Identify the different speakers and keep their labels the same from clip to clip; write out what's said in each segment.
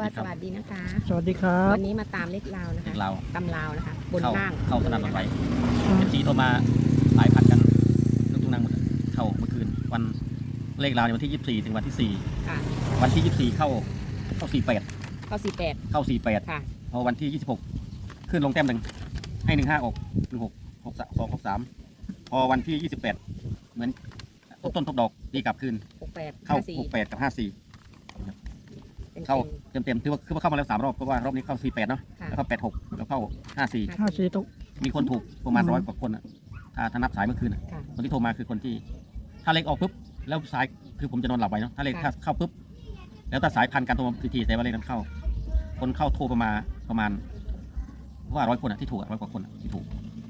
Speaker 1: สวัสดีนะคะ
Speaker 2: สวัสดีครับ
Speaker 1: วันนี้มาตามเลขลาวนะคะ
Speaker 3: เรา
Speaker 1: ตำลาวนะคะ บนล่าง
Speaker 3: เข้าสนามรถไฟ
Speaker 2: อืม
Speaker 3: เอฟซีโทรมาหลายพันกันทุกนั่งหมดเข้าเมื่อคืนวันเลขราวในวันที่ 24 ถึงวันที่
Speaker 1: ค่ะ
Speaker 3: 4 วันที่ 24 เข้า 48
Speaker 1: เข้า48
Speaker 3: เข้า 48
Speaker 1: ค่ะ
Speaker 3: พอวันที่ 26 ขึ้นลงแต้มหนึ่งให้ 15 ออก 16 63 2 63 พอวันที่ 28 เหมือนทบต้นทบดอกตีกลับคืน
Speaker 1: 68
Speaker 3: เข้า
Speaker 1: 54
Speaker 3: 68 กับ 54
Speaker 1: เป็น
Speaker 3: เข้าเต็มๆถือว่าเข้ามาแล้ว 3 รอบเพราะว่ารอบนี้เข้า 48 เนาะ
Speaker 1: ค่ะ
Speaker 3: แล้วก็ 86 แล้วเข้า 54
Speaker 2: 54ตุก
Speaker 3: มีคนถูกประมาณ
Speaker 2: อืม
Speaker 3: 100 กว่าคนอะถ้านับสายเมื่อคืนอะ
Speaker 1: ค่ะ
Speaker 3: คนที่โทรมาคือคนที่ถ้าเลขออกปุ๊บแล้วสายคือผมจะนอนหลับไปเนาะถ้าเลข
Speaker 1: ค่ะ
Speaker 3: เข้าปุ๊บแล้วถ้าสายพันการโทรมาทีแต่ว่าเลขนั้นเข้า คนเข้าโทรประมาณว่า100 คนอะที่ถูก100 กว่าคนอะที่ถูก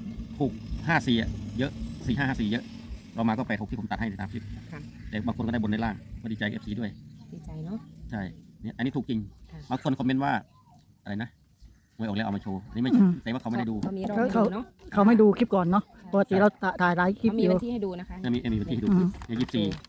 Speaker 3: 54อะเยอะ4554เยอะเรามาก็86ที่ผมตัดให้ในตามคลิป
Speaker 1: ค่ะ
Speaker 3: แต่บางคนก็ได้บนได้ล่างก็ดีใจกับ FC ด้วย
Speaker 1: ดีใจเนาะ
Speaker 3: ใช่เนี่ยอันนี้ถูกจริง
Speaker 1: ค่ะ
Speaker 3: บางคนคอมเมนต์ว่าอะไรนะหวยออกแล้วเอามาโชว์อันนี้ไม่แต่ว่าเขาไม่ได้ดู
Speaker 1: เขามีรอบให้ดูเนาะ
Speaker 2: เขาไม่ดูคลิปก่อนเนาะปกติเราถ่ายไลฟ์คลิป
Speaker 1: เขามี
Speaker 2: อยู่
Speaker 1: วันที่ให้ดูนะคะ
Speaker 3: มีวันที่ให้ดู
Speaker 2: อืม
Speaker 3: เนี่ย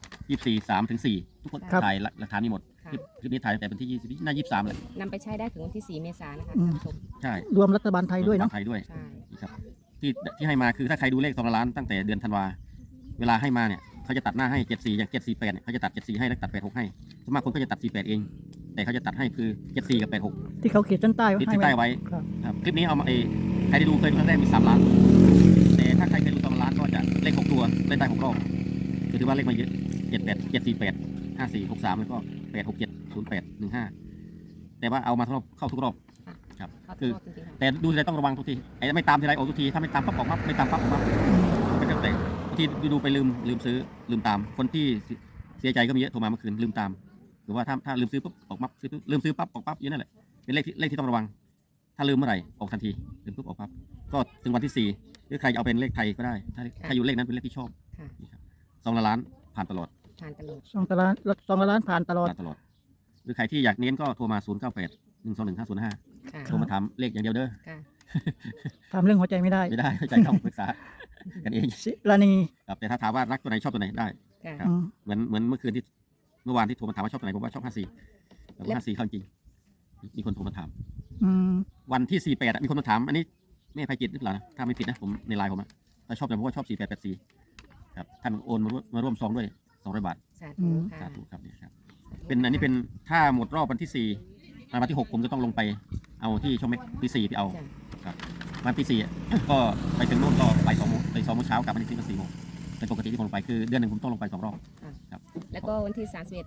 Speaker 3: 24 3 ถึง 4 ทุกคน
Speaker 2: ครับ
Speaker 3: ถ่ายหลักฐานนี้หมด
Speaker 1: ค่ะ
Speaker 3: คลิปนี้ถ่ายตั้งแต่วันที่20น่า23เลย
Speaker 1: นำไปใช้ได้ถึงวันที่ 4 เมษายนนะคะ
Speaker 2: อืม
Speaker 1: ท่านผู้ชม
Speaker 3: ใช่
Speaker 2: รวมรัฐบาลไทยด้วยเนาะ
Speaker 3: ไทยด้วย
Speaker 1: ใช่
Speaker 3: นะครับที่ให้มาคือถ้าใครดูเลข2 ล้านตั้งแต่เดือนธันวาเวลาให้มาเนี่ยเขาจะตัดหน้าให้74อย่าง748เนี่ยเขาจะตัด74ให้แล้วตัด86ให้ส่วนมากคนก็จะตัด48เอง แต่เขาจะตัดให้คือ74กับ86
Speaker 2: ที่เขาเขียนเส้นใต้ไว้
Speaker 3: ติด
Speaker 2: ให้
Speaker 3: ที่ใต้ไว้
Speaker 2: ครับ
Speaker 3: ครับคลิปนี้เอามาใครได้ดูเคยดูครั้งแรกมี3 ล้าน แต่ถ้าใครเคยดู2 ล้านก็จะเลข6 ตัวเล่นได้6 รอบก็ถือว่าเลขมาเยอะ78 748 54 63แล้วก็867 08 15แต่ว่าเอามาทุกรอบเข้าทุกรอบ ครับ
Speaker 1: เขา
Speaker 3: คือ
Speaker 1: ชอบจริงๆค่ะ
Speaker 3: แต่ดูทีไรต้องระวังทุกทีไอ้ไม่ตามทีไรออกทุกทีถ้าไม่ตามปั๊บออกปั๊บไม่ตามปั๊บออกปั๊บไม่ต้องแต่บางทีดูไปลืมซื้อลืมตามคนที่เสียใจก็มีเยอะโทรมาเมื่อคืนลืมตามหรือว่าถ้าลืมซื้อปุ๊บออกปั๊บซื้อปุ๊บลืมซื้อปั๊บออกปั๊บอย่างนั่นแหละเป็นเลขที่ต้องระวัง ถ้าลืมเมื่อไหร่ออกทันทีลืมปุ๊บออกปั๊บก็ถึงวันที่ 4หรือใครจะเอาเป็นเลขไทยก็ได้ถ้าอยู่เลขนั้นเป็นเลขที่ชอบ
Speaker 1: ค่ะ
Speaker 3: นี่ครับ2 ล้านผ่านตลอด
Speaker 1: ทานตลอด
Speaker 2: 2 ล้านผ่านตลอด
Speaker 3: ผ่านตลอด หรือใครที่อยากเน้นก็โทรมา098 121 505
Speaker 1: ค่ะ
Speaker 3: โทรมาถามเลขอย่างเดียวเด้อ
Speaker 1: ค่ะ
Speaker 2: ทำเรื่องหัวใจไม่ได้
Speaker 3: ไม่ได้ใจต้องปรึกษากันเอง
Speaker 2: ศิรานี
Speaker 3: ครับแต่ถ้าถามว่ารักตัวไหนชอบตัวไหนได้
Speaker 1: ค่ะ
Speaker 3: ครับ
Speaker 2: อืม
Speaker 3: เหมือนเมื่อคืนที่เมื่อวานที่โทรมาถามว่าชอบตัวไหนผมว่าชอบ54แต่ว่า54เข้าจริงมีคนโทรมาถาม
Speaker 2: อืม
Speaker 3: วันที่48อะมีคนมาถามอันนี้แม่ภัยจิตหรือเปล่านะถ้าไม่ผิดนะผมในไลน์ผมอะถ้าชอบแต่ผมว่าชอบ4884ครับท่านโอนมาร่วมซองด้วย200 บาท
Speaker 1: สาธุค่ะ
Speaker 3: สาธุครับเนี่ยครับเป็นอันนี้เป็นถ้าหมดรอบวันที่4วันที่6ผมจะต้องลงไปเอาที่ช่องเม็กที่4ไปเอา
Speaker 1: จ้ะ
Speaker 3: ครับวันที่4อะ ก็ไปถึงโน่นก็ไป2 โมงไป2 โมงเช้ากลับมาที่ก็4 โมงเป็นปกติที่ผมลงไปคือเดือนหนึ่งผมต้องลงไป2 รอบ
Speaker 1: แล้วก็วันที่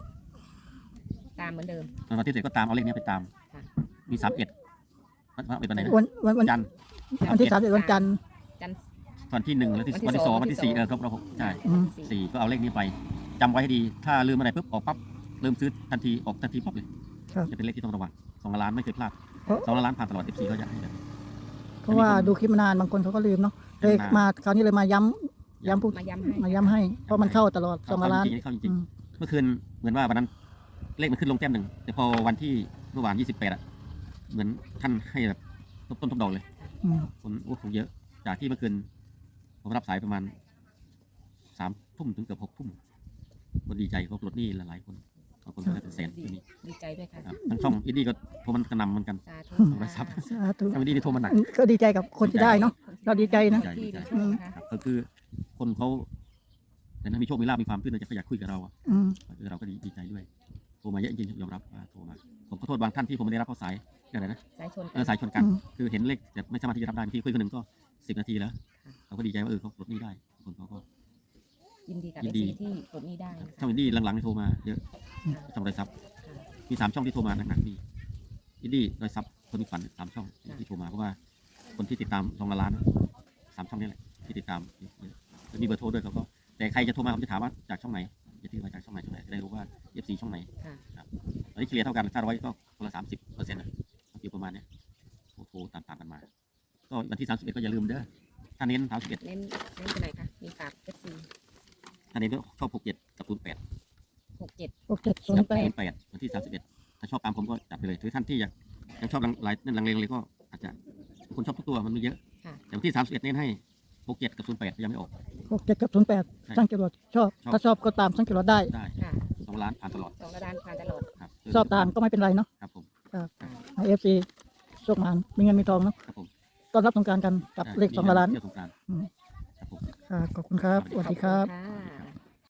Speaker 1: 31 ตามเหมือนเดิม
Speaker 3: วันที่7ก็ตามเอาเลขนี้ไปตาม
Speaker 1: ค่ะ
Speaker 3: มี31เป็นวันไหนนะ
Speaker 2: วัน
Speaker 3: จันทร์
Speaker 2: วันที่31วันจันทร์
Speaker 1: จันทร์
Speaker 3: วันที่1แล้วที่วันที่2วันที่4ครบเรา6ใช่
Speaker 2: อืม
Speaker 3: 4ก็เอาเลขนี้ไปจำไว้ให้ดี ถ้าลืมอะไรปุ๊บออกปั๊บลืมซื้อทันทีออกทันทีปั๊บเลย
Speaker 2: ครับ
Speaker 3: จะเป็นเลขที่ต้องระวัง2 ล้านไม่เคยพลาด
Speaker 2: เพราะ
Speaker 3: 2 ล้านผ่านตลอด14ก็อยากให้แบบ
Speaker 2: เพราะว่าดูคลิปมานานบางคนเขาก็ลืมเนาะเลยมาคราวนี้เลยมาย้ำพูด
Speaker 1: มาย้ำให้
Speaker 2: มาย้ำให้ เพราะมันเข้าตลอด2 ล้าน
Speaker 3: จริงๆเข้าจริ
Speaker 2: อื
Speaker 3: ง
Speaker 2: ม
Speaker 3: ๆเมื่อคืนเหมือนว่าวันนั้นเลขมันขึ้นลงแต้มหนึ่งแต่พอวันที่เมื่อวาน28อะเหมือนท่านให้แบบทบต้นทบดอกเลย
Speaker 2: อืม
Speaker 3: คนโอ้คงเยอะ จากที่เมื่อคืนผมรับสายประมาณ3 ทุ่มถึงเกือบ6 ทุ่มคนดีใจเขาปลดหนี้หลายๆคนบางคนก็ได้เป็นแสน
Speaker 1: ดี
Speaker 3: ก็มี
Speaker 1: ดีใจด้วยค่ะ
Speaker 3: ครับทั้งช่องอินดี้ก็โทรมันกระหนำเหมือนกัน
Speaker 1: สาธุ
Speaker 3: โทรศัพท์
Speaker 1: ค่ะ
Speaker 2: สาธุ
Speaker 3: ทางอินดี้นี่โทรมาหนัก
Speaker 2: ก็ดีใจกับคนที่ได้เนาะเราดีใจนะ
Speaker 1: ที่มีโชคนะคะ
Speaker 3: ครับก็คือคนเขาแต่นั้นมีโชคมีลาภมีความขึ้นเขาอยากคุยกับเราอะ
Speaker 2: อืม
Speaker 3: เราก็ดีใจด้วยโทรมาเยอะจริงๆยอมรับว่าโทรมาผมขอโทษบางท่านที่ผมไม่ได้รับเข้าสายอะไรนะ
Speaker 1: สายชน
Speaker 3: สายชนกัน
Speaker 2: อืม
Speaker 3: คือเห็นเลขแต่ไม่สามารถที่จะรับได้บางทีคุยคนหนึ่งก็10 นาทีแล้วเราก็ดีใจว่าเขาปลดหนี้ได้คนเขาก็
Speaker 1: ยินดีกับ
Speaker 3: ยิ
Speaker 1: เอน
Speaker 3: ดี
Speaker 1: ซีที่ปลดหนี้ได้นะคะ
Speaker 3: ช่องอินดี้หลังๆนี่โทรมาเยอะช่องไรซับมี3 ช่องที่โทรมาหนักๆดีอินดี้ไรซับคนมีฝัน3 ช่องที่โทรมาเพราะว่าคนที่ติดตาม2 ล้าน3 ช่องนี้แหละที่ติดตามเยอะแล้วมีเบอร์โทรด้วยเขาก็แต่ใครจะโทรมาผมจะถามว่าจากช่องไหนจะที่ว่าจากช่องไหนจะได้รู้ว่า FC ช่องไหน
Speaker 1: ค่ะ
Speaker 3: ตอนนี้เฉลี่ยเท่ากันถ้า100ก็คนละ30%นะอยู่ประมาณเนี้ยโทรตามกันมา ก็วันที่31ก็อย่าลืมเด้อถ้าเน้น31
Speaker 1: เน้นตัวไหนคะมีฝากเอฟซี
Speaker 3: ถ้าเน้นก็ชอบ67กับ08
Speaker 1: 67
Speaker 2: 6708
Speaker 3: วันที่31ถ้าชอบตามผมก็จัดไปเลยหรือท่านที่ยังชอบหลายลังเลเลยก็อาจจะคนชอบทุกตัวมันมีเยอะ
Speaker 1: ค่ะ
Speaker 3: แต่วันที่31เน้นให้67กับ08ยังไม่ออก
Speaker 2: 67กับ08สังเกตว่าชอบ ถ้าชอบก็ตามสังเกตว่าได้
Speaker 3: ได้
Speaker 1: ค่ะ
Speaker 3: 2 ล้านผ่านตลอด
Speaker 1: 2 ระดานผ่านตลอด
Speaker 3: ครับ
Speaker 2: ชอบตามก็ไม่เป็นไรเนาะ
Speaker 3: ครับผม
Speaker 2: ในเอฟซีโชคมานมีเงินมีทองเนาะ
Speaker 3: ครับผม
Speaker 2: ต้อนรับสงกรานต์กันกับเลข2 ล้าน
Speaker 3: เที่ยวสงกรานต์
Speaker 2: อืม
Speaker 3: ครับผม
Speaker 2: ค่ะขอบคุณครับสวัสดีครับ
Speaker 1: ค่ะ